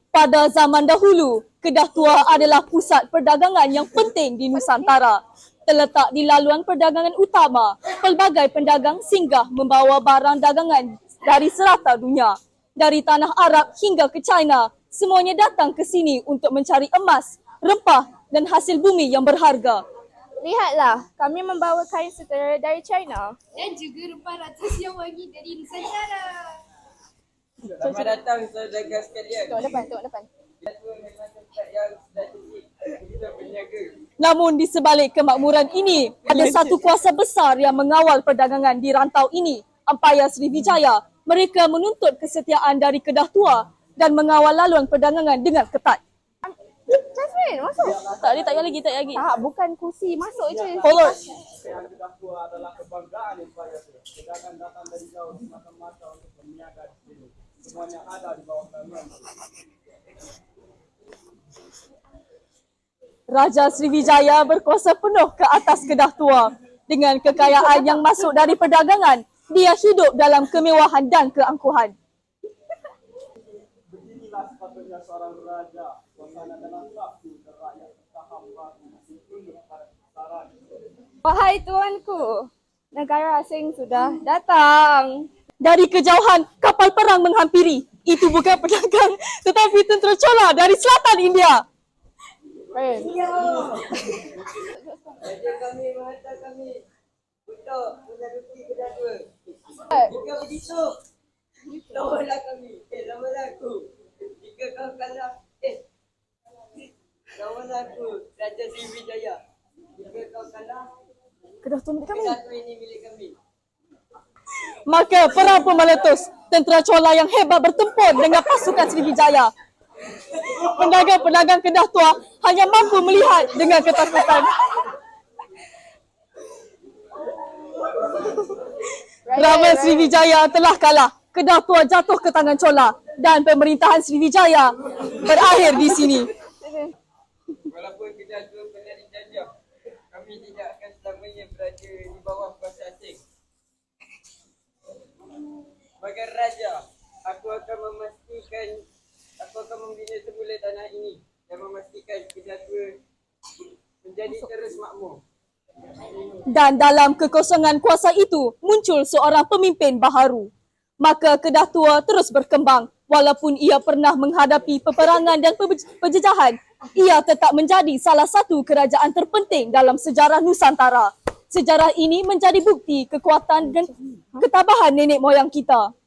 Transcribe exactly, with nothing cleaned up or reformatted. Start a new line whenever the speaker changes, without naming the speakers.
Pada zaman dahulu, Kedah Tua adalah pusat perdagangan yang penting di Nusantara. Terletak di laluan perdagangan utama, pelbagai pendagang singgah membawa barang dagangan dari serata dunia. Dari tanah Arab hingga ke China, semuanya datang ke sini untuk mencari emas, rempah dan hasil bumi yang berharga.
Lihatlah, kami membawa kain sutera dari China.
Dan juga rempah ratus yang wangi dari Nusantara.
Selamat datang saudara sekalian.
Tengok depan, tengok depan.
Namun di sebalik kemakmuran ini, ada satu kuasa besar yang mengawal perdagangan di rantau ini, Empayar Sriwijaya. Mereka menuntut kesetiaan dari Kedah Tua dan mengawal laluan perdagangan dengan ketat.
Jasmine, masuk.
Tak ada, tak payah lagi, tak payah lagi.
Tak, bukan kursi. Masuk je.
Follow.
Kedah Tua adalah kebanggaan Empayar. Pedagang datang dari jauh semata-mata untuk berniaga di sini. Semuanya ada di bawah naungan.
Raja Sriwijaya berkuasa penuh ke atas Kedah Tua. Dengan kekayaan yang masuk dari perdagangan, dia hidup dalam kemewahan dan keangkuhan.
Beginilah sepatutnya seorang raja. Suasana dalam sabtu dan rakyat serta hamba masih tunduk pada kebesaran.
Wahai tuanku, negara asing sudah datang.
Dari kejauhan, kapal perang menghampiri. Itu bukan pedagang, tetapi tentera Chola dari selatan India.
Friend.
Raja kami menghantar kami untuk menaruki Kedah Tua. Jika begitu, lawanlah kami. Eh, lawanlah aku. Jika kau kalah, eh, lawanlah aku, Raja Sriwijaya. Jika kau kalah,
Kedah Tua milik kami.
Kedah Tua ini milik kami.
Maka perang pun meletus. Tentera Chola yang hebat bertempur dengan pasukan Sriwijaya. Pedagang-pedagang Kedah Tua hanya mampu melihat dengan ketakutan. Raja Sriwijaya telah kalah. Kedah Tua jatuh ke tangan Chola dan pemerintahan Sriwijaya berakhir di sini.
Walaupun Kedah Tua pernah dijajah, kami tidak akan selamanya berada di bawah kuasa asing. Sebagai raja, aku akan memastikan, aku akan membina semula tanah ini dan memastikan Kedah Tua menjadi terus makmur.
Dan dalam kekosongan kuasa itu, muncul seorang pemimpin baharu. Maka Kedah Tua terus berkembang. Walaupun ia pernah menghadapi peperangan dan penjejahan, ia tetap menjadi salah satu kerajaan terpenting dalam sejarah Nusantara. Sejarah ini menjadi bukti kekuatan dan ketabahan nenek moyang kita.